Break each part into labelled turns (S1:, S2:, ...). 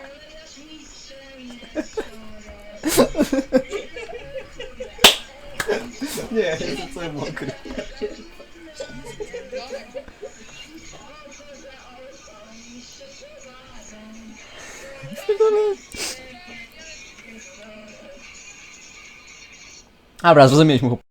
S1: Nie, jestem cały mokry. Dobra, zrozumieliśmy chłop.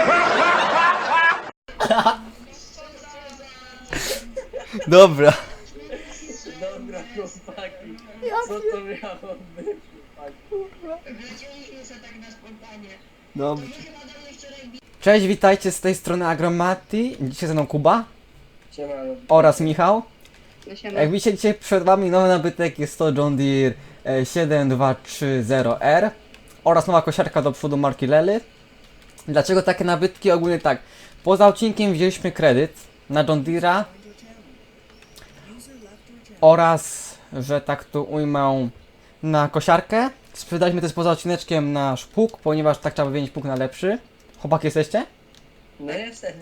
S1: Dobra.
S2: Dobra, chłopaki. Co to miało być, chłopaki?
S3: Wróciliśmy się tak na spontanie.
S1: Dobrze.
S3: My chyba do mnie wczoraj
S1: Cześć, witajcie z tej strony Agromati. Dzisiaj ze mną Kuba
S2: Siemano.
S1: oraz Michał.
S3: No siema.
S1: Jak widzicie, dzisiaj przed wami nowy nabytek, jest to John Deere 7230R oraz nowa kosiarka do przodu marki Lely. Dlaczego takie nabytki? Ogólnie tak, poza odcinkiem wzięliśmy kredyt na John Deere'a oraz, że tak to ujmę, na kosiarkę. Sprzedaliśmy też poza odcineczkiem nasz pług, ponieważ tak trzeba wymienić pług na lepszy. Chłopaki jesteście?
S2: No jestem.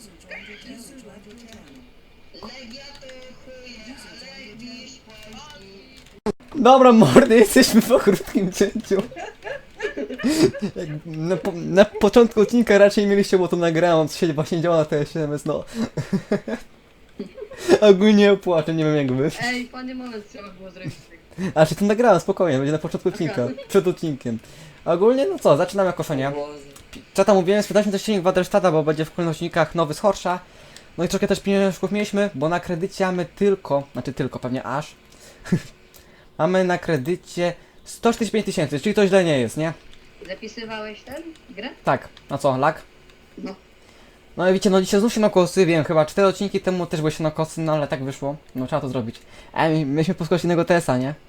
S3: Legia to chuje, ale wisz Polski.
S1: Dobra mordy, jesteśmy po krótkim cięciu. Na początku odcinka raczej mieliście, bo to nagrałem, co się właśnie działa na TS7, no. Ogólnie płaczę, nie wiem jak wy.
S3: Ej, fajny moment trzeba było zrobić.
S1: A czy to nagrałem, spokojnie, będzie na początku odcinka, przed odcinkiem. Ogólnie, no co, zaczynamy koszenie.
S2: Boże.
S1: Co tam mówiłem, sprzedaliśmy też silnik Waderstata, bo będzie w kolejnych odcinkach nowy z Horsza. No i trochę też pieniążków mieliśmy, bo na kredycie mamy tylko, pewnie aż. Mamy na kredycie 145 tysięcy, czyli to źle nie jest, nie?
S3: Zapisywałeś ten grę?
S1: Tak, no co, lag?
S3: No.
S1: No i widzicie, no dzisiaj znów się na kosy, wiem, chyba 4 odcinki temu też były się na kosy, no ale tak wyszło, no trzeba to zrobić. Myśmy poskoczyli innego TS-a, nie?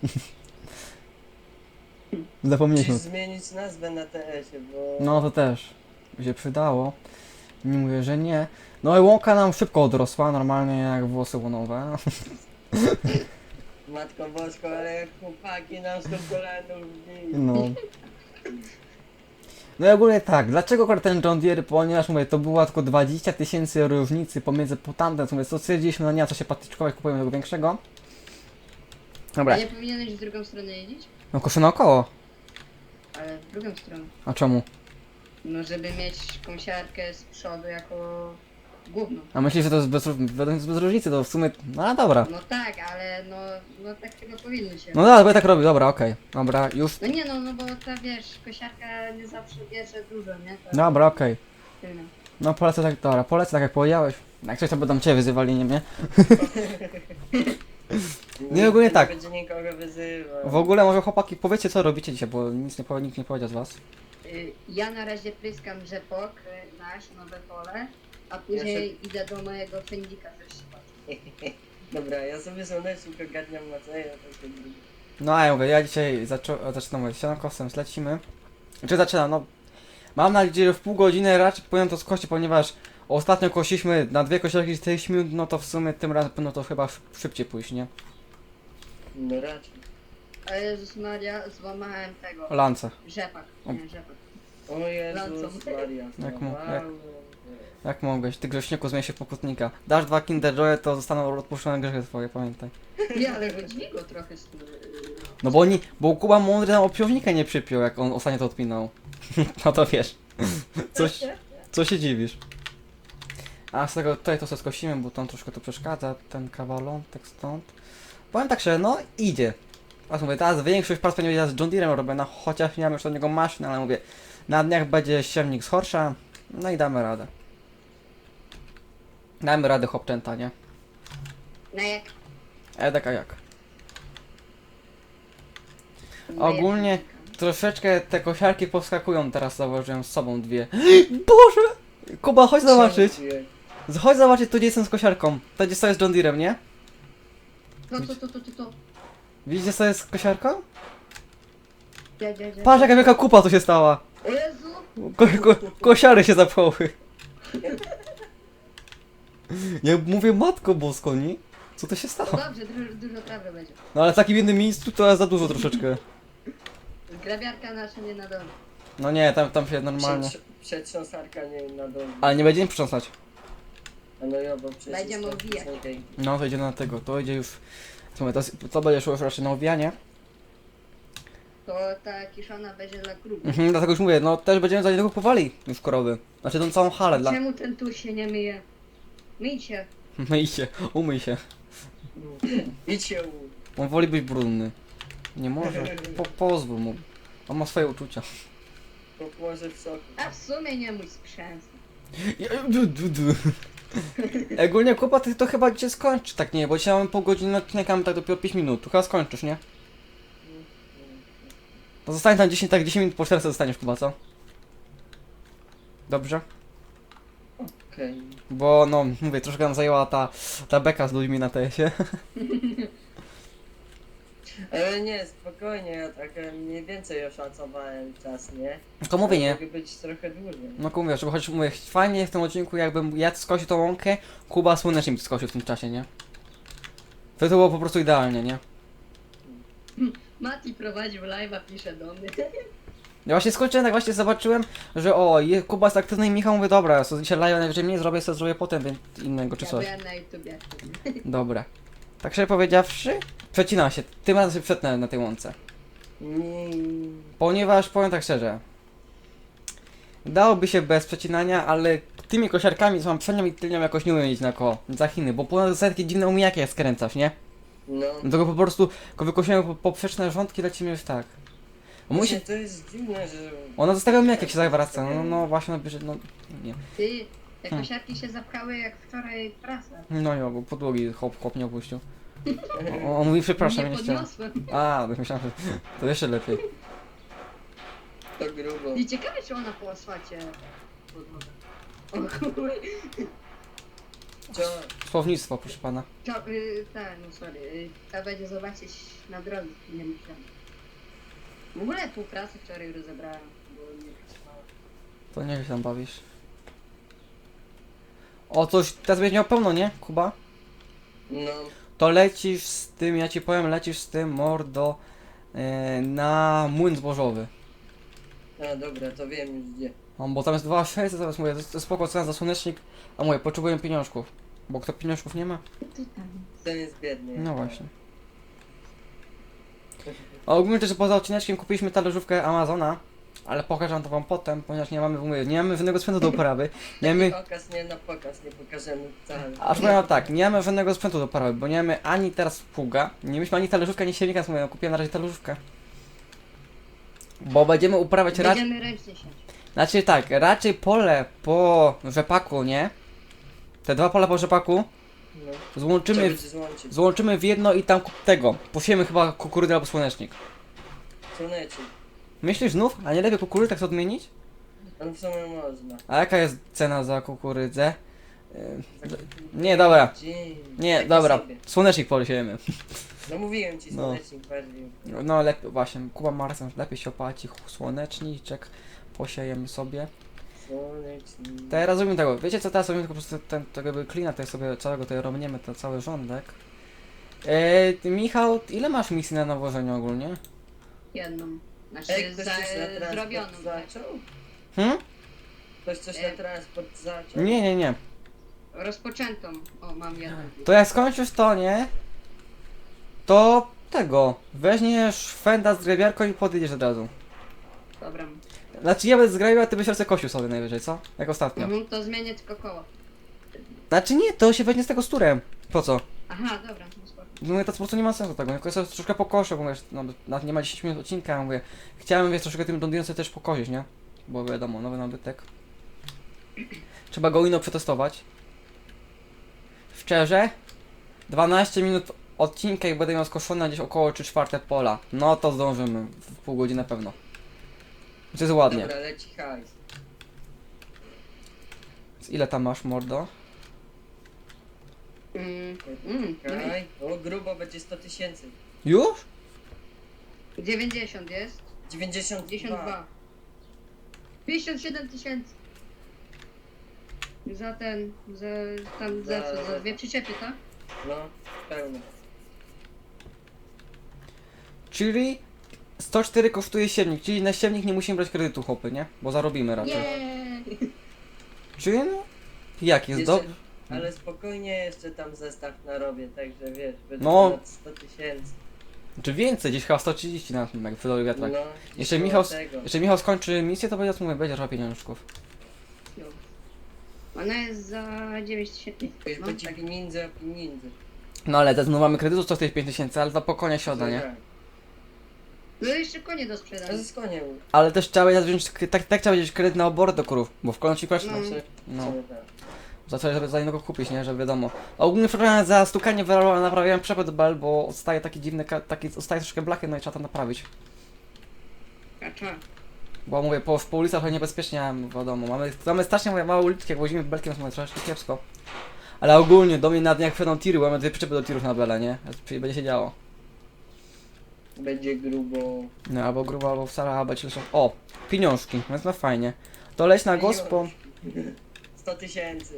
S1: Zapomnieliśmy.
S2: Musisz zmienić nazwę na TS-ie, bo...
S1: No to też by się przydało. Nie mówię, że nie. No i łąka nam szybko odrosła, normalnie jak włosy łonowe.
S2: Matko Bosko, ale jak chłopaki nam z kolanów wbili.
S1: No. No i ogólnie tak, dlaczego akurat ten John Deere? Ponieważ mówię, to była tylko 20 tysięcy różnicy pomiędzy potamtem, mówię, co stwierdziliśmy, no nie ma co się patyczkować, kupujemy tego większego. Dobra,
S3: A nie powinieneś w drugą stronę jeździć?
S1: no koszę naokoło.
S3: Ale w drugą stronę.
S1: A czemu?
S3: No żeby mieć kąsiarkę z przodu jako główną.
S1: A myślisz, że to jest bez różnicy, to w sumie, no ale dobra.
S3: No tak, ale no tak chyba powinno się.
S1: No dobra, bo ja tak robię, dobra, okej. Dobra, już.
S3: No nie no bo ta wiesz, kosiarka nie zawsze bierze dużo, nie? To
S1: Dobra, okej.
S3: tylne.
S1: No polecę tak, dobra, polecę tak jak powiedziałeś. Jak coś to będą cię wyzywali, nie mnie. Nie, ogólnie tak.
S2: Nie będzie nikogo wyzywał.
S1: W ogóle może chłopaki powiedzcie co robicie dzisiaj, bo nikt nie powiedział z was.
S3: Ja na razie pryskam rzepok, nasz nowe pole, a później idę do mojego fędzika zresztą.
S2: Dobra, ja sobie słonecznik ogarniam na co ja tak się drugi.
S1: No a ja mówię, ja dzisiaj zaczynam sianokosem, zlecimy. Czy zaczynam, no. Mam nadzieję, że w pół godziny raczej powinien to skończyć, ponieważ ostatnio kosiliśmy na 2 kosiarki 40 minut, no to w sumie tym razem powinno to chyba szybciej pójść, nie?
S2: No raczej.
S3: A Jezus Maria, złamałem tego,
S1: Lance.
S3: rzepak, nie rzepak.
S2: O Jezus
S3: Lancą.
S2: Maria.
S1: Jak
S2: no,
S1: mu- jak-
S2: wow.
S1: Jak mogłeś, ty grześniku zmień się w pokutnika. Dasz 2 Kinder Joye, to zostaną odpuszczone grzechy twoje, pamiętaj.
S3: Nie, ale chodzi go trochę z tym.
S1: No bo Kuba mądry nam obciążnika nie przypiął, jak on ostatnio to odpinał. No to wiesz. Co się dziwisz? A z tego tutaj to sobie skosimy, bo tam troszkę to przeszkadza, ten kawalątek stąd. Powiem tak, że no idzie. A mówię, teraz większość prac będzie z John Deere'em robię, no chociaż nie mam już do niego maszyn, ale mówię, na dniach będzie siewnik z Horsza, no i damy radę. Damy radę chłopczęta, nie?
S3: No jak?
S1: Edek a jak? Ogólnie troszeczkę te kosiarki poskakują teraz, zauważyłem z sobą dwie. Boże! Kuba, chodź zobaczyć. Chodź zobaczyć, tu gdzie jestem z kosiarką. To gdzie stoję z John Deere'em, nie?
S3: No to.
S1: Widzicie co jest z kosiarką?
S3: Ja.
S1: Patrz jaka wielka kupa tu się stała.
S3: O Jezu!
S1: Kosiary się zapchały. Ja mówię, matko bosko, nie? Co to się
S3: No
S1: stało?
S3: dobrze, dużo trawy będzie.
S1: No ale w takim jednym miejscu to jest za dużo troszeczkę.
S3: Grabiarka nasza nie na dole.
S1: No nie, tam się normalnie.
S2: Przetrząsarka nie na dole.
S1: Ale nie będziemy przytrząsać.
S2: A no ja, bo przecież...
S3: Będziemy
S2: to
S3: obijać.
S2: są tej-
S1: No to idzie na tego, to idzie już. Słuchaj, to będzie szło już raczej na owijanie.
S3: To ta kiszona będzie dla krów.
S1: Dlatego już mówię, no też będziemy za niedługo kupowali już krowy. Znaczy tą całą halę dla...
S3: Czemu ten tu się nie myje? Myj się.
S1: Myj się, umyj się.
S2: Idź się
S1: On woli być brudny. Nie może. Pozwól mu. On ma swoje uczucia.
S2: może w soku.
S3: A w sumie nie mój sprzęt.
S1: Ogólnie Kuba, ty to chyba cię skończy, tak nie? Bo dzisiaj mamy pół godziny odcinkami, tak dopiero 5 minut. Tu chyba skończysz, nie? To zostanie tam 10, tak 10 minut po 400 zostaniesz, Kuba, co? Dobrze?
S2: Okej.
S1: Bo no, mówię, troszkę nam zajęła ta beka z ludźmi na TS-ie.
S2: Ale nie, spokojnie, ja tak mniej więcej oszacowałem czas, nie?
S1: Tylko mówię, nie?
S2: Mogę być trochę dłużej.
S1: No mówię, żeby choć mówię, fajnie w tym odcinku, jakbym ja skosił tą łąkę, Kuba słonecznie mi skosił w tym czasie, nie? To było po prostu idealnie, nie?
S3: Mati prowadził live'a, pisze do mnie.
S1: Ja właśnie skończyłem, tak właśnie zobaczyłem, że o, Kuba jest aktywny i Michał mówi, dobra, so dzisiaj live najwyżej mniej zrobię, sobie zrobię potem więc innego czy
S3: Ja
S1: coś.
S3: byłem na YouTubie.
S1: Dobra. Tak szczerze powiedziawszy, przecina się, tym razem się przetnę na tej łące. Ponieważ, powiem tak szczerze, dałoby się bez przecinania, ale tymi kosiarkami, co mam przednią i tylnią, jakoś nie umiem mieć na koło, za Chiny, bo ponad takie dziwne umijaki jak skręcasz, nie?
S2: No.
S1: Dlatego po prostu, tylko wykosiłem poprzeczne rządki, lecimy już tak.
S2: Właśnie to jest dziwne, że...
S1: Ona zostawia mnie jak się zawraca, no właśnie, no bierze, no nie.
S3: Ty, te kosiarki się zapchały jak wczoraj prasa.
S1: No i bo podłogi hop nie opuścił. On mówi przepraszam, ja
S3: Nie
S1: nie chciałem.
S3: podniosłem.
S1: A, to myślałem, że to jeszcze lepiej.
S2: To grubo.
S3: I ciekawe czy ona po asfalcie podłoga. O chuj.
S2: Co?
S1: Słownictwo, proszę pana.
S3: Tak, no sorry. Trzeba będzie zobaczyć na drodze, nie myślałem. W ogóle pół prasy wczoraj rozebrałem, bo nie pracowałem.
S1: To nie się tam bawisz. O, coś teraz będzie miał pełno, nie, Kuba?
S2: No.
S1: To lecisz z tym, ja ci powiem, lecisz z tym, mordo, na młyn zbożowy.
S2: A dobra, to wiem już gdzie.
S1: Bo tam jest 2600, zaraz mówię, to jest spoko cena za słonecznik, a mówię, potrzebuję pieniążków. Bo kto pieniążków nie ma?
S2: Ten jest biedny.
S1: No właśnie. A ogólnie też poza odcineczkiem kupiliśmy talerzówkę Amazona, ale pokażę to wam potem, ponieważ nie mamy, mówię, nie mamy żadnego sprzętu do uprawy. Nie mamy,
S2: Okaz nie na pokaz, nie pokażemy wcale.
S1: aż powiem tak, nie mamy żadnego sprzętu do uprawy, bo nie mamy ani teraz pługa, nie mieliśmy ani talerzówka, ani siewnika, więc mówię, no kupiłem na razie talerzówkę. Bo będziemy uprawiać raczej,
S3: Będziemy ręcznie siać.
S1: znaczy tak, raczej pole po rzepaku, nie? Te dwa pola po rzepaku
S2: No.
S1: złączymy,
S2: Trzeba złączyć.
S1: złączymy w jedno i tam tego, posiejemy chyba kukurydę albo słonecznik.
S2: Słonecznik.
S1: Myślisz znów? A nie lepiej kukurydę tak odmienić?
S2: On w sumie można.
S1: A jaka jest cena za kukurydzę? Nie, dobra.
S2: Dzień.
S1: Nie,
S2: Taki
S1: dobra.
S2: sobie.
S1: Słonecznik posiejemy.
S2: No mówiłem ci
S1: No.
S2: słonecznik bardziej.
S1: No lepiej, właśnie. Kuba ma rację, lepiej się opłaci słoneczniczek. Posiejemy sobie.
S2: Słonecznik.
S1: Teraz zrobimy tego. Wiecie co, teraz zrobimy tylko po prostu tego jakby klina tutaj sobie całego, tutaj robniemy ten cały rządek. Michał, ile masz misji na nawożeniu ogólnie?
S3: Jedną. Znaczy
S2: Ej, ktoś coś na transport
S3: zrobioną.
S2: zaczął?
S1: Hmm?
S2: Ktoś coś na transport zaczął?
S1: Nie.
S3: Rozpoczętą. O, mam jedną.
S1: To jak skończysz to, nie? To tego. Weźmiesz fenda z grabiarką i podjedziesz od razu.
S3: Dobra.
S1: Znaczy ja będę zgrabił, a ty byś ręce kosił sobie najwyżej, co? Jak ostatnio.
S3: To zmienię tylko koło.
S1: Znaczy nie, to się weźmie z tego z turem. Po co?
S3: Aha, dobra, no spoko.
S1: Mówię, to po prostu nie ma sensu tego. Ja sobie troszkę pokoszę, bo wiesz, no, nawet nie ma 10 minut odcinka, mówię. Chciałem, wiesz, troszkę tym Londynem sobie też pokosić, nie? Bo wiadomo, nowy nabytek. Trzeba go ino przetestować. Szczerze, 12 minut odcinka i będę miał skoszone gdzieś około 3/4 pola. No to zdążymy, w pół godziny na pewno. To jest ładnie.
S2: Dobra, leci hajs.
S1: Ile tam masz, mordo?
S2: Czekaj. O, grubo będzie 100 000.
S1: Już?
S3: 90 jest.
S2: 92.
S3: 52. 57 tysięcy. Za ten, za co, za dwie przyczepy, tak?
S2: No, pełno.
S1: Czyli 104 kosztuje siewnik, czyli na siewnik nie musimy brać kredytu, chłopy, nie? Bo zarobimy raczej.
S3: Nie.
S1: Czyli no? Jak jest
S2: Jeszcze-
S1: dobrze?
S2: Ale spokojnie jeszcze tam zestaw narobię, także wiesz, będzie
S1: No.
S2: ponad 100 000.
S1: Czy więcej, gdzieś chyba 130 na tym, jak wydał wiatrak.
S2: No,
S1: Jeszcze
S2: koło
S1: Michał,
S2: tego.
S1: jeszcze Michał skończy misję, to będzie, mówię, będzie trochę pieniążków.
S3: No. Ona jest za 9000.
S2: Już
S3: No,
S2: będzie
S3: tak.
S2: pieniędzy, a pieniędzy.
S1: No ale teraz no, mamy kredytu 145 tysięcy, ale to po konia się odda, nie?
S3: No jeszcze konie do
S2: A
S3: sprzedania.
S2: z koniem.
S1: Ale też trzeba będzie wziąć, tak trzeba wziąć kredyt na obory do krów, bo w końcu kosztuje.
S3: No.
S1: No. Za coś, żeby za innego kupić, nie? Żeby wiadomo. A ogólnie przepraszam za stukanie wyrola, naprawiałem przepęd bel, bo odstaje taki dziwny, taki odstaje troszkę blachy, no i trzeba to naprawić.
S3: Kacza.
S1: Bo mówię, po ulicach to niebezpiecznie, wiadomo. Mamy strasznie mówię, małe uliczki, jak wozimy belkiem, to mamy troszkę kiepsko. Ale ogólnie do mnie na dniach wchodzą tiry, bo mamy dwie przyczepy do tirów na bele, nie? Czyli będzie się działo.
S2: Będzie grubo.
S1: No, albo grubo, albo wcale, albo ci lecą. O! Pieniążki, więc no fajnie. To leć na gospo.
S2: 100 tysięcy.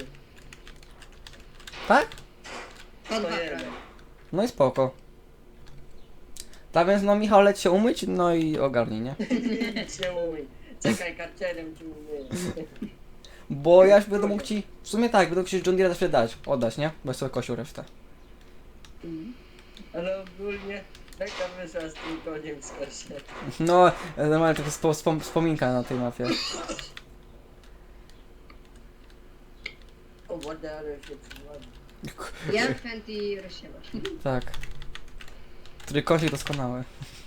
S1: Tak?
S3: Po dwa
S2: 101.
S3: prawie.
S1: No i spoko. Tak więc no Michał leć się umyć, no i ogarnij, nie?
S2: się umyj. Czekaj, karcerem ci umyję.
S1: Bo ja już będę mógł ci, w sumie tak, będę mógł ci John Deere też oddać, nie? Bo sobie kosił resztę.
S3: Mhm.
S2: Ale ogólnie taka wyszła z tym koniem z kosie.
S1: No, normalnie to jest wspominka na tej mapie.
S2: O wodę, ale się przyładzi.
S3: Ja chętnie rozsiewasz.
S1: Tak. Który kosik doskonały.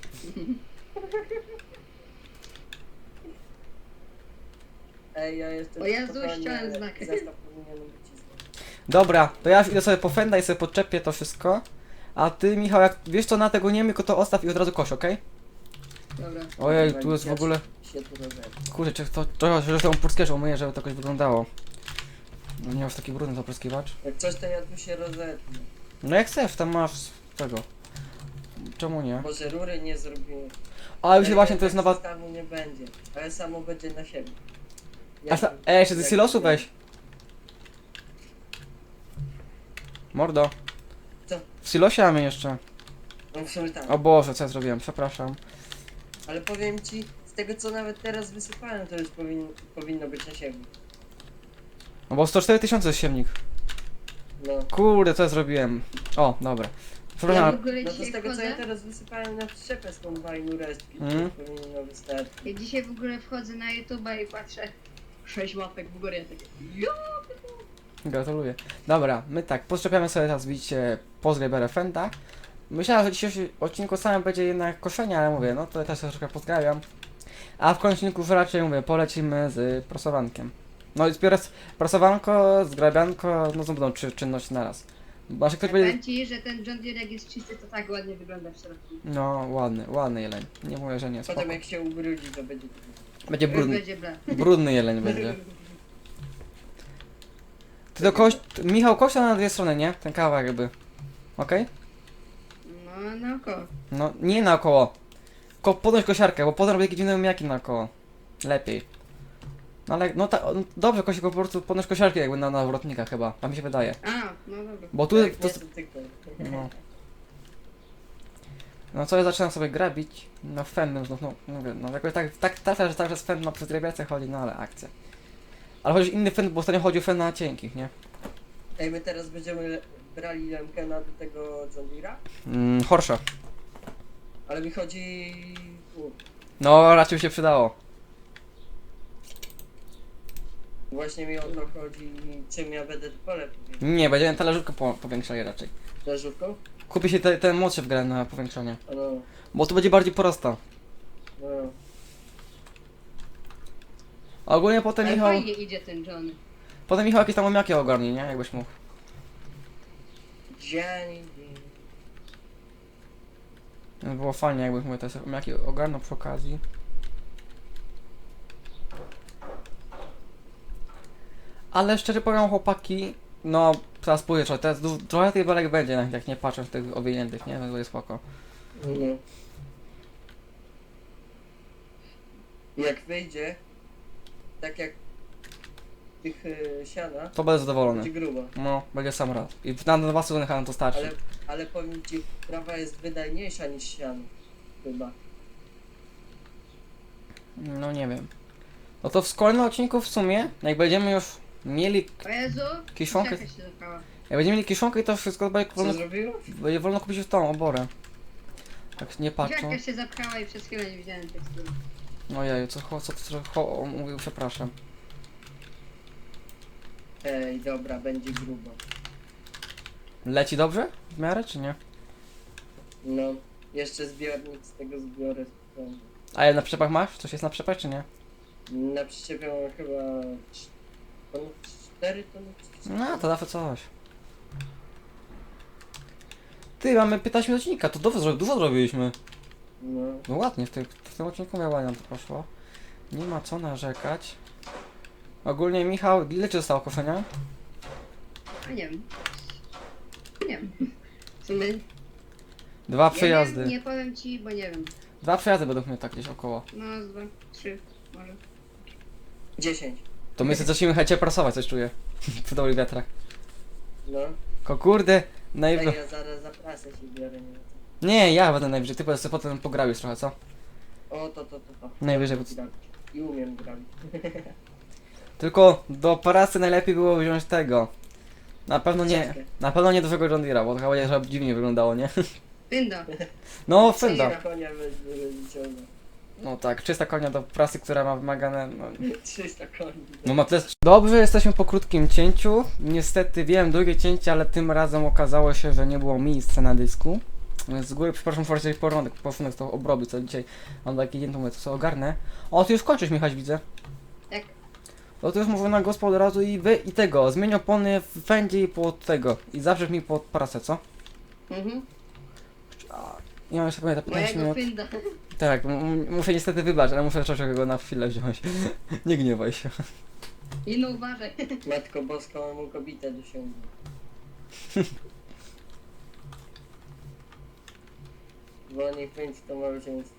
S2: Ej, ja jestem
S3: O Jezu,
S2: spokojny,
S3: ściąłem
S2: ale
S3: znak.
S2: Zestaw powinienem być czysty.
S1: Dobra, to ja idę sobie po fenda i sobie podczepię to wszystko. A ty, Michał, jak wiesz co na tego nie tylko to ostaw i od razu koś, okej?
S3: Dobra.
S1: Ojej, tu jest w ogóle...
S2: Się tu rozerwę.
S1: Kurczę, czy to że tą purskiewicz umyję, żeby to jakoś wyglądało. No nie masz taki brudny to pryskiwacz.
S2: Jak coś, to ja tu się rozetnę.
S1: No jak chcesz, tam masz tego. Czemu nie?
S2: Może rury nie zrobiłem.
S1: A już
S2: Ej,
S1: właśnie to jest
S2: tak
S1: nowa...
S2: zestawu nie będzie, ale samo będzie na siebie.
S1: Jeszcze ze
S2: jak-
S1: silosu weź. Mordo.
S2: Co?
S1: W silosie mamy jeszcze.
S2: No w sumie tak.
S1: O Boże, co ja zrobiłem, przepraszam.
S2: Ale powiem ci, z tego co nawet teraz wysypałem, to już powinno być na siebie.
S1: No bo 104 tysiące jest siewnik.
S2: No.
S1: Kurde, co ja zrobiłem? O, dobra.
S3: Ja w
S1: Przepraszam.
S3: ogóle
S2: No to z
S3: dzisiaj
S2: tego co ja
S3: wchodzę.
S2: teraz wysypałem na przyczepę z kombajnu resztki,
S1: Mhm.
S2: to powinno wystarczyć.
S3: Ja dzisiaj w ogóle wchodzę na YouTube'a i patrzę 6 łapek w górę. Ja takie. Jo!
S1: Gratuluję. Dobra, my tak, podczepiamy sobie teraz, widzicie, pozgrabę fenda. Myślałem, że dzisiejszy odcinku samym będzie jednak koszenie, ale mówię, no to też się troszkę pozgrabiam. A w końcu już raczej, mówię, polecimy z prasowankiem. No i zbiorę prasowanko, zgrabianko, no to będą trzy czynności naraz. Bo ktoś będzie...
S3: Powiem ci, że ten John Deere jak jest czysty, to tak ładnie wygląda w środku.
S1: No, ładny jeleń. Nie mówię, że nie, spoko.
S2: Potem jak się ubrudzi, to będzie...
S1: Będzie
S3: Już
S1: brudny,
S3: będzie ble.
S1: brudny jeleń będzie. Ty do Michał, kościa na dwie strony, nie? Ten kawałek jakby. Okej?
S3: No, naokoło.
S1: No, nie naokoło. Podnoś kosiarkę, bo potem robię jakieś dziwne miaki naokoło. Lepiej. No ale, no dobrze, Kosik, po prostu podnoś kosiarkę jakby na nawrotnika chyba, tak mi się wydaje.
S3: A, no dobra.
S1: Bo tu,
S2: Jak
S1: to,
S2: nie, to tylko.
S1: no. No co, ja zaczynam sobie grabić, no fendem znów, no mówię, no jakoś tak trafia, że także z fend ma przez grabiacę chodzi, no ale akcja. Ale chociaż inny fend, bo ostatnio chodził fend na cienkich, nie?
S2: Ej, my teraz będziemy brali Lemkena do tego John Deere'a,
S1: Horsza.
S2: ale mi chodzi...
S1: No, raczej by się przydało.
S2: Właśnie mi o to chodzi, czym ja będę to pole powiększał.
S1: Nie, będziemy talerzówkę powiększali raczej.
S2: Leżówką?
S1: Kupi się ten młodszy w grę na powiększenie.
S2: No,
S1: Bo tu będzie bardziej porasta.
S2: no.
S1: A ogólnie potem
S3: Ale
S1: Michał...
S3: fajnie idzie ten John.
S1: Potem Michał jakieś tam omiaki ogarnie, nie? Jakbyś mógł.
S2: Dzień.
S1: No, było fajnie, jakbyś mógł te omiaki ogarnął przy okazji. Ale szczerze powiem, chłopaki, no teraz pójdę trochę, teraz trochę tych belek będzie, jak nie patrzę w tych owiniętych, nie? To jest spoko.
S2: No. Jak wyjdzie, tak jak tych siana,
S1: To będę zadowolony.
S2: będzie grubo.
S1: No, będzie sam rad. I na 2 sezony chyba nam to starczy.
S2: Ale powiem ci, trawa jest wydajniejsza niż siano. Chyba.
S1: No nie wiem. No to w kolejnym odcinku w sumie, jak będziemy już mieli,
S3: O Jezu!
S1: Kiszonkę?
S3: Jaka się zapała.
S1: jak będziemy mieli kiszonkę i to wszystko,
S2: Co zrobiło?
S1: będzie wolno kupić już tą oborę. Jak nie patrzą.
S3: Dziarka się zapchała i przez chwilę nie widziałem tekstury.
S1: Ojeju, co mówił, przepraszam.
S2: Ej, dobra, będzie grubo.
S1: Leci dobrze? W miarę, czy nie?
S2: No, jeszcze zbiornik z tego zbiorę.
S1: A ja na przyczepach masz? Coś jest na przyczepach, czy nie?
S2: Na przyczepie mam chyba 4 tony.
S1: No, to zawsze coś. Ty, mamy 15 minut odcinka, to dużo zrobiliśmy.
S2: No,
S1: No ładnie, w tym odcinku miał ładnie nam to poszło. Nie ma co narzekać. Ogólnie, Michał, ile ci zostało koszenia?
S3: A nie wiem. Nie wiem. W sumie...
S1: Dwa
S3: Ja
S1: przejazdy.
S3: nie powiem ci, bo nie wiem.
S1: Dwa przejazdy według mnie tak gdzieś około.
S3: No, 2, 3, może.
S2: 10.
S1: To my sobie zacznijmy chęcie prasować, coś czuję. Przy dobrych wiatrach.
S2: No.
S1: Kurde,
S2: Ej,
S1: najwyżej.
S2: ja zaraz za prasę się biorę, nie?
S1: Nie, ja będę najwyżej, ty sobie potem pograbisz trochę, co?
S2: O, to.
S1: Najwyżej.
S2: Grabić. I umiem grabić.
S1: Tylko do prasy najlepiej było wziąć tego.
S2: Ciężkie.
S1: Na pewno nie dużego John Deere'a, bo to chyba żeby dziwnie wyglądało, nie?
S3: Winda.
S1: No, Fenda.
S2: Na konia wyciągnę.
S1: No tak, 300 konia do prasy, która ma wymagane, no,
S2: 300 koni.
S1: no ma tyle. Dobrze, jesteśmy po krótkim cięciu. Niestety wiem drugie cięcie, ale tym razem okazało się, że nie było miejsca na dysku. Więc z góry przepraszam, forczeć posunek to obrobić, co dzisiaj mam taki dzień, to mówię, to sobie ogarnę. O, ty już kończysz, Michał, widzę.
S3: Jak?
S1: No to już mówię na gospę od razu i tego, zmień opony w fendzie i pod tego. I zawrzesz mi pod prasę, co?
S3: Mhm.
S1: Ja mam jeszcze pamiętam 15
S3: Mojego
S1: minut.
S3: Finda.
S1: Tak, muszę niestety wybaczyć, ale muszę troszeczkę go na chwilę wziąć. Nie gniewaj się.
S3: I no uważaj.
S2: Matko Boska, mam mu kobietę dosiągnął. Bo niech będzie to małżeństwo.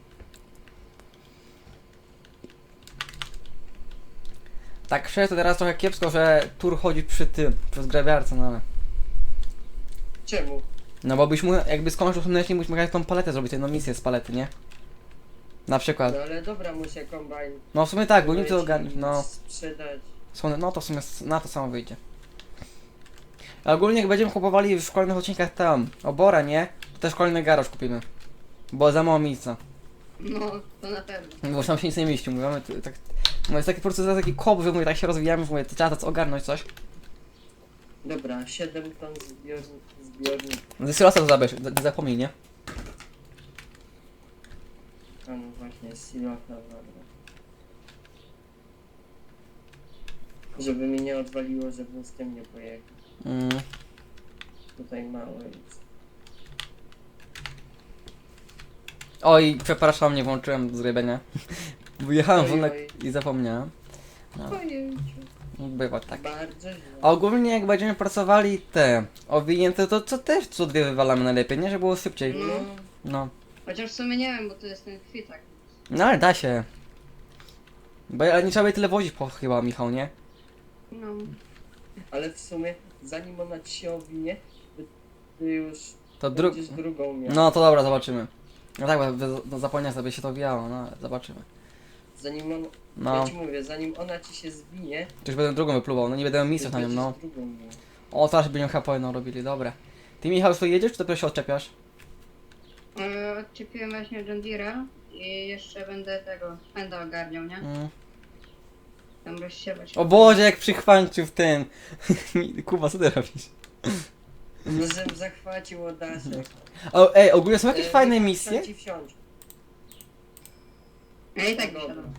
S1: Tak szczerze to teraz trochę kiepsko, że tur chodzi przy tym, przez grabiarce, no ale...
S2: Czemu?
S1: No bo byś mu, jakby skończył słonecznik, byś mógł tą paletę zrobić, jedną misję z palety, nie? Na przykład.
S2: No ale dobra, muszę kombajn.
S1: No w sumie tak, bo nie
S2: kupić
S1: to ogarnić,
S2: i
S1: no.
S2: sprzedać.
S1: No to w sumie na to samo wyjdzie. A ogólnie jak będziemy kupowali w kolejnych odcinkach tam obora, nie? To też kolejny garaż kupimy. Bo za mało miejsca.
S3: No, to na pewno.
S1: Bo tam się nic nie mieści, mówimy tak... No jest taki po prostu taki kop, że mówię, tak się rozwijamy, że mówię, to trzeba to ogarnąć coś.
S2: Dobra, 7 ton zbiornik.
S1: Dysylosa to zabierz, nie zapomnij, nie?
S2: A no właśnie, silota, dobra. Żeby mi nie odwaliło, żebym z tym nie pojechał. Tutaj mało jest.
S1: Oj, przepraszam, nie włączyłem zrybienia. Wyjechałem
S2: Oj,
S1: wolnek
S2: oj.
S1: i zapomniałem. No,
S3: Ojejciu.
S1: bywa tak.
S2: Bardzo źle.
S1: A ogólnie jak będziemy pracowali te owinięte, to co też co dwie wywalamy najlepiej, nie? Żeby było szybciej.
S2: No,
S1: No.
S3: Chociaż w sumie nie wiem, bo to jest ten kwitak.
S1: No ale da się. Ale nie trzeba by tyle wozić po chyba, Michał, nie?
S3: No.
S2: ale w sumie zanim ona ci się owinie, ty już
S1: To
S2: będziesz drugą miał.
S1: No to dobra, zobaczymy. No tak, bo zapomniałem sobie się to wijało, no ale zobaczymy.
S2: Zanim on,
S1: No,
S2: ja ci mówię, zanim ona ci się zwinie,
S1: to już będę drugą wypluwał, no nie będę miał
S2: ty
S1: miejsca na nią,
S2: będziesz
S1: no.
S2: drugą miał.
S1: O, teraz będziemy chyba po jedną robili, dobra. Ty Michał już tu jedziesz, czy dopiero się odczepiasz?
S3: Odczepiłem właśnie John Deere'a i jeszcze będę tego Fenda ogarniał, nie? Tam rozsiewać.
S1: O Boże, jak przychwańczył w tym. Kuba, co ty robisz?
S2: No żem zachwacił Odaszek.
S1: O, ej, ogólnie są jakieś fajne misje?
S2: Ci wsiądź.
S3: Ja i tak
S2: Dobra.
S3: wysiadam.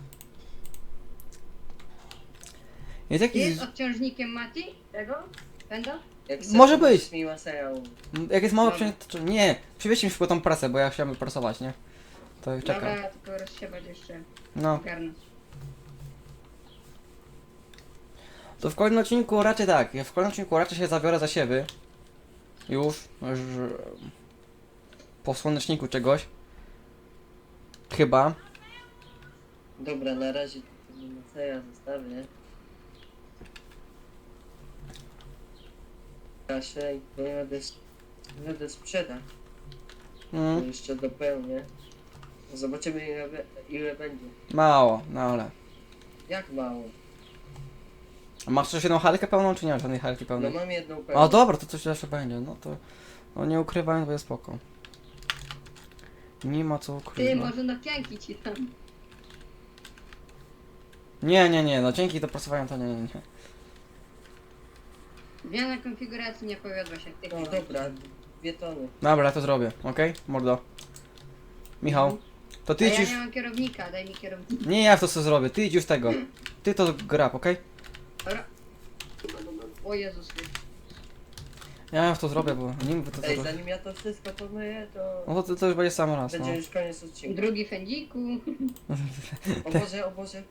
S1: Jest jakiś...
S3: Jest odciążnikiem Mati? Tego? Fenda?
S2: Jak
S1: Może
S2: chcesz,
S1: być.
S2: możesz mi Maseja umówić.
S1: Jak jest mało
S3: Dobra.
S1: to nie, przywieźcie mi szybko tą prasę, bo ja chciałem prasować, nie? To czekam.
S3: Dobra, tylko rozsiewać jeszcze.
S1: No,
S3: Ogarnąć.
S1: to w kolejnym odcinku raczej tak, ja w kolejnym odcinku raczej się zabiorę za siewy. Już, po słoneczniku czegoś. Chyba.
S2: Dobra, na razie tego Maseja zostawię. Kaszej, bo jadę sprzedać. To
S1: Mm,
S2: jeszcze dopełnię. Zobaczymy ile będzie.
S1: mało, no ale.
S2: Jak mało?
S1: A masz coś jedną halkę pełną, czy nie masz żadnej halki
S2: No
S1: pełnej?
S2: mam jedną pełną.
S1: O dobra, to coś jeszcze będzie, no to... No nie ukrywając, bo jest spoko. Nie ma co
S3: Ty,
S1: ukrywać.
S3: może na pianki ci tam.
S1: Nie, no dzięki dopracowaniu to nie.
S3: Zmiana konfiguracji nie powiodła się. Ty,
S2: No dobra, 2 tony.
S1: Dobra, ja to zrobię, okej? Mordo. Michał, to
S3: A
S1: ty
S3: ja
S1: idź już...
S3: nie mam kierownika, daj mi kierownika.
S1: Nie, ja to co zrobię, ty idź już tego. Ty to grab, okej?
S3: Dobra. O Jezus.
S1: Ja to zrobię, bo nie mówię to
S2: Ej,
S1: zrobię.
S2: zanim ja to wszystko pomyję, to
S1: No to już będzie sam raz, no.
S2: będzie już koniec odcinka.
S3: Drugi fędziku.
S2: O Boże.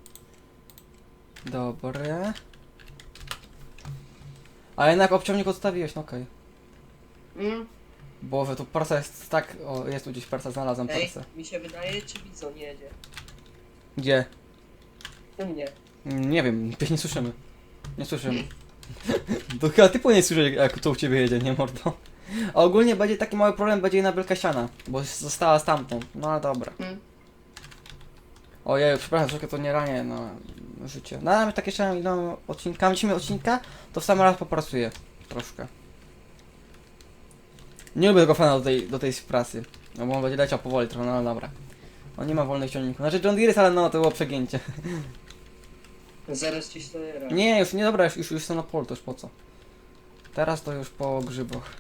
S1: Dobre. A jednak obciągnik odstawiłeś, no okej.
S3: Mm.
S1: Boże, tu parsa jest tak... O, jest tu gdzieś parsa, znalazłem
S2: Ej,
S1: parsę.
S2: mi się wydaje, czy Bizon jedzie?
S1: Gdzie?
S2: U mnie.
S1: Nie wiem, nie słyszymy. Nie słyszymy. To chyba ty powinien słyszeć, jak to u ciebie jedzie, nie mordo? A ogólnie będzie taki mały problem, będzie na wielka siana, bo została stamtąd. No ale dobra.
S3: Mm.
S1: Ojej, przepraszam, troszkę to nie ranię, no życie. No ale tak jeszcze idą odcinkami, dzisiaj odcinka, to w sam raz popracuję. Troszkę. Nie lubię tego fana do tej pracy. No bo on będzie leciał powoli trochę, no ale dobra. On nie ma wolnych ciągników. Znaczy John Deere jest, ale no to było przegięcie.
S2: Zaraz ci stoję raz.
S1: Nie, już nie dobra, już są na polu, to już po co? Teraz to już po grzybach.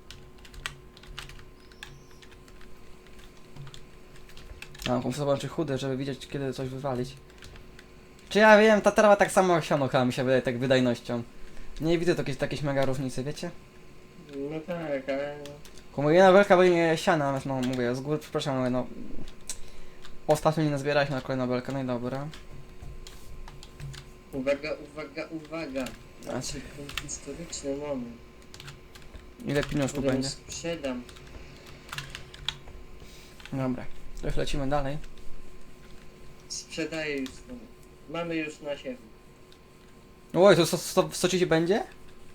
S1: A, muszę zobaczyć chudy, żeby widzieć kiedy coś wywalić. Czy ja wiem, ta trawa tak samo jak siano chyba mi się wydaje, tak wydajnością. Nie widzę jakieś mega różnicy, wiecie?
S2: No tak, ale...
S1: Komu jedna belka będzie siana, natomiast no mówię, z góry przepraszam, ale no... Ostatnio nie nazbieraliśmy na kolejną belkę, no i dobra.
S2: Uwaga. Znaczy, ten historyczny moment.
S1: Ile pieniążków
S2: Którym
S1: będzie?
S2: sprzedam.
S1: Dobra, to już lecimy dalej.
S2: Sprzedaję już to. Mamy już na siebie.
S1: Oj, to 130 będzie?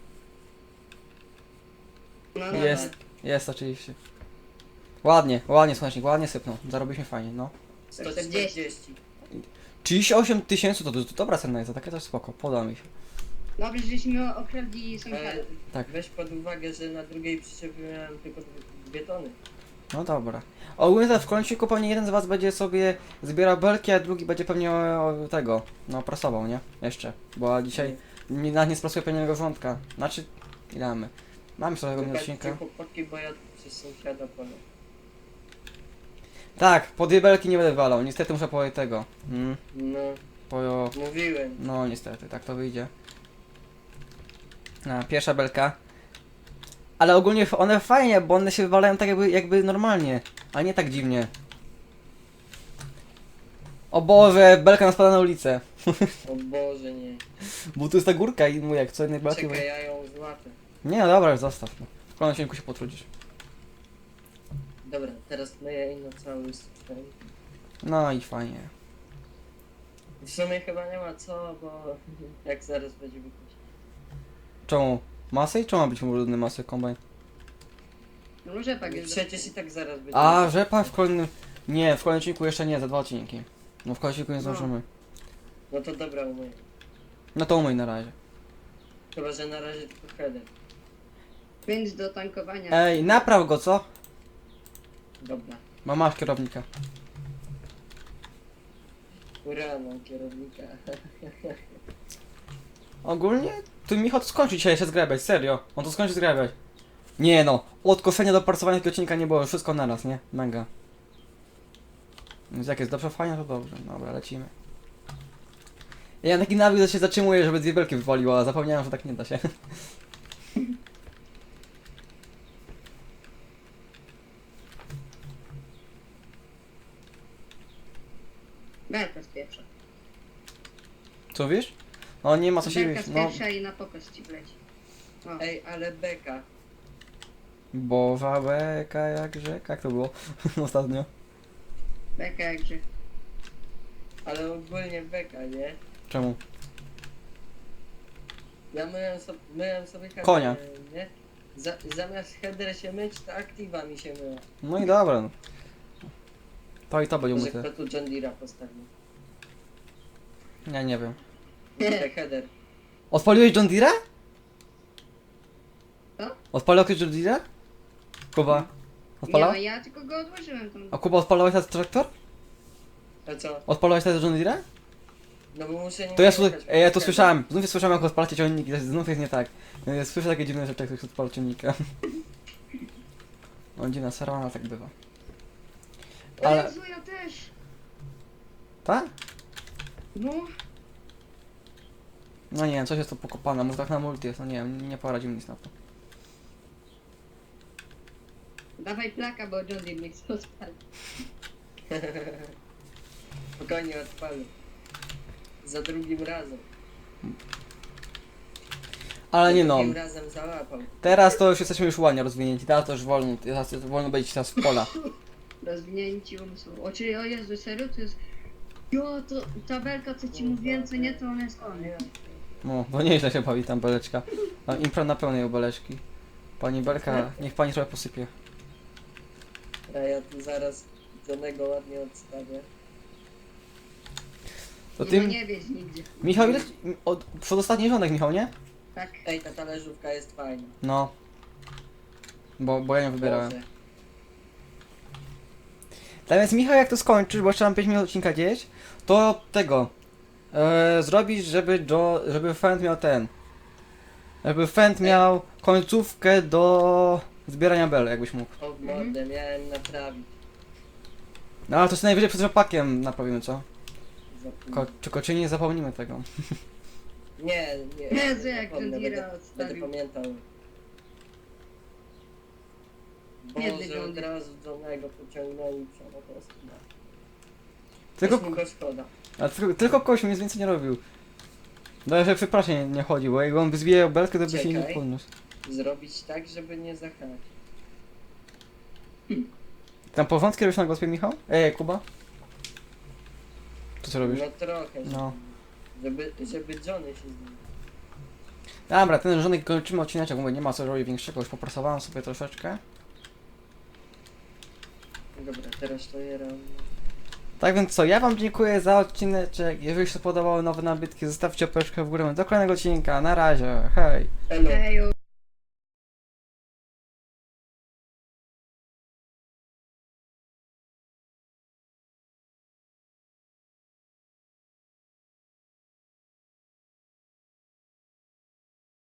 S3: No,
S1: Jest. Jest oczywiście. Ładnie, słonecznik, ładnie sypnął. Zarobiliśmy fajnie, no.
S2: 140.
S1: 38 tysięcy to dobra cena jest, za takie coś spoko, podoba mi się.
S3: Dobrze, żeśmy okradli sąsiada.
S2: Ale
S1: Tak.
S2: weź pod uwagę, że na drugiej przyczepie miałem tylko 2 tony.
S1: No dobra. Ogólnie to w końcu pewnie jeden z was będzie sobie zbierał belki, a drugi będzie pewnie tego, no prasował, nie? Jeszcze. Bo dzisiaj nie sprasuje pewnego wrzątka. Znaczy, ile mamy? Mamy sobie tego
S2: Wybaczcie
S1: odcinka.
S2: chłopaki, bo ja przez sąsiada pole.
S1: Tak, po dwie belki nie będę walał, niestety muszę po tego.
S2: No,
S1: Po...
S2: mówiłem.
S1: No niestety, tak to wyjdzie. Pierwsza belka. Ale ogólnie one fajnie, bo one się wywalają tak jakby normalnie, a nie tak dziwnie. O Boże, belka nas spada na ulicę.
S2: O Boże, nie.
S1: Bo tu jest ta górka i mówię, jak co jednej belki...
S2: Czekaj, ja ją złapę.
S1: Nie, no dobra, już zostaw. No. W kolejnym odcinku się potrudzisz.
S2: Dobra, teraz myję i na cały sprzęt.
S1: No i fajnie.
S2: W sumie chyba nie ma co, bo jak zaraz będzie wychodzić.
S1: Czemu? Masy? Czemu ma być brudny masy kombajn?
S3: No rzepak jest.
S2: Przecież i tak zaraz będzie.
S1: A, rzepak w kolejnym... Nie, w kolejnym odcinku jeszcze nie, za 2 odcinki. No w kolejnym odcinku nie
S3: No.
S1: zdążymy.
S2: No to dobra, umyję.
S1: No to umyj na razie.
S2: Chyba, że na razie tylko header.
S3: Więc do tankowania.
S1: Ej, napraw go, co?
S2: Dobra.
S1: Masz kierownika.
S2: Ura, mam kierownika.
S1: Ogólnie, tu Michał to skończy dzisiaj jeszcze zgrabiać, serio. On to skończy zgrabiać. Nie no, od kosenia do parcowania tego odcinka nie było, wszystko naraz, nie? Mega. Więc jak jest dobrze, fajnie, to dobrze. Dobra, lecimy. Ja mam taki nawyk, że się zatrzymuję, żeby dwie belki wywaliło, a zapomniałem, że tak nie da się.
S3: Belka z pierwsza.
S1: Co wiesz? No nie ma co się
S3: Belka
S1: wiesz,
S3: z
S1: no.
S3: pierwsza i na pokaz ci wleci. O.
S2: Ej, ale beka.
S1: Boża beka jak rzeka, jak to było ostatnio?
S3: Beka jakże.
S2: Ale ogólnie beka, nie?
S1: Czemu?
S2: Ja myłem sobie header,
S1: Konia.
S2: nie? Zamiast header się myć, to aktywa mi się myła.
S1: No i dobra. No. To i to będzie
S2: Może
S1: umyte.
S2: kto tu John Deere'a postawił?
S1: Ja nie wiem.
S2: Te header.
S1: Odpaliłeś John Deere'a?
S3: Co?
S1: Odpalił ktoś John Deere'a? Kuba. Odpalał?
S3: Nie, ja tylko go odłożyłem tam.
S1: A Kuba, odpalałeś ten traktor?
S2: A co?
S1: Odpalałeś ten John Deere?
S2: No bo muszę nim
S1: To ja,
S2: jechać,
S1: ej, ja to
S2: bo-
S1: słyszałem, znów słyszałem jak odpalacie ciągniki, znów jest nie tak. Ja słyszę takie dziwne rzeczy, jak ktoś odpala ciągnika. No dziwna sarwana tak bywa.
S3: Ale...
S1: Ale...
S3: Jezu, ja też.
S1: Tak?
S3: No,
S1: No nie wiem, coś jest to pokopane, może tak na multi jest, no nie wiem, nie poradził nic na to.
S3: dawaj plaka, bo John Deere nie chce odpalić.
S2: Spokojnie odpalę. Za drugim razem.
S1: Ale nie
S2: Za
S1: no,
S2: drugim razem załapał.
S1: teraz to już jesteśmy już ładnie rozwinięci, teraz to już wolno, teraz wolno będzie teraz w pola.
S3: Rozwinięci umysłu. O Jezu, serio? To jest... Jo, to tabelka, co ci mówiłem, co nie, to ona jest koniec.
S1: No, bo nieźle się bawi tam beleczka. A impra na pełnej u beleczki. Pani Belka, niech pani trochę posypie.
S2: A ja tu zaraz Johnego ładnie odstawię.
S1: To
S3: Nie,
S1: ty,
S3: no nie wieź nigdzie.
S1: Michał, ile... Przedostatni rządek, Michał, nie?
S3: Tak.
S2: Ej, ta talerzówka jest fajna.
S1: No. Bo ja nie wybierałem.
S2: Boże.
S1: Tak więc Michał, jak to skończysz, bo jeszcze mam 5 minut odcinka gdzieś, to tego. Zrobisz, żeby Fend miał ten. Żeby Fend miał końcówkę do zbierania bel, jakbyś mógł.
S2: O w mordę, miałem naprawić.
S1: No ale to sobie najwyżej przed rzepakiem naprawimy, co?
S2: Zapomnę.
S1: Tylko czy nie zapomnimy tego.
S2: Nie.
S3: Jezu, jak
S2: zapomnę,
S3: John Deere
S2: będę
S3: odstawił.
S2: pamiętał.
S3: Biedny
S2: Boże,
S3: John
S2: od
S3: Deere.
S2: razu Johnego pociągnęli przemo po prostu.
S1: Tylko,
S2: Jest mi go szkoda.
S1: tylko kogoś mi nic więcej nie robił. No że przy prasie nie chodzi, bo jak on by zbijał belkę, to by się nie
S2: Czekaj.
S1: podniósł.
S2: Zrobić tak, żeby nie zahać.
S1: Tam porządki robisz na gospie, Michał? Kuba? To co robisz?
S2: No trochę,
S1: No.
S2: żeby Johnny się zmienił.
S1: Dobra, ten żonek kończymy odcineczek, mówię, nie ma co robić większego, już popracowałem sobie troszeczkę.
S2: Dobra, teraz to je robię.
S1: Tak więc co, ja wam dziękuję za odcineczek, jeżeli się podobały nowe nabytki, zostawcie łapeczkę w górę do kolejnego odcinka, na razie, hej!
S2: Elo.
S3: Ejo.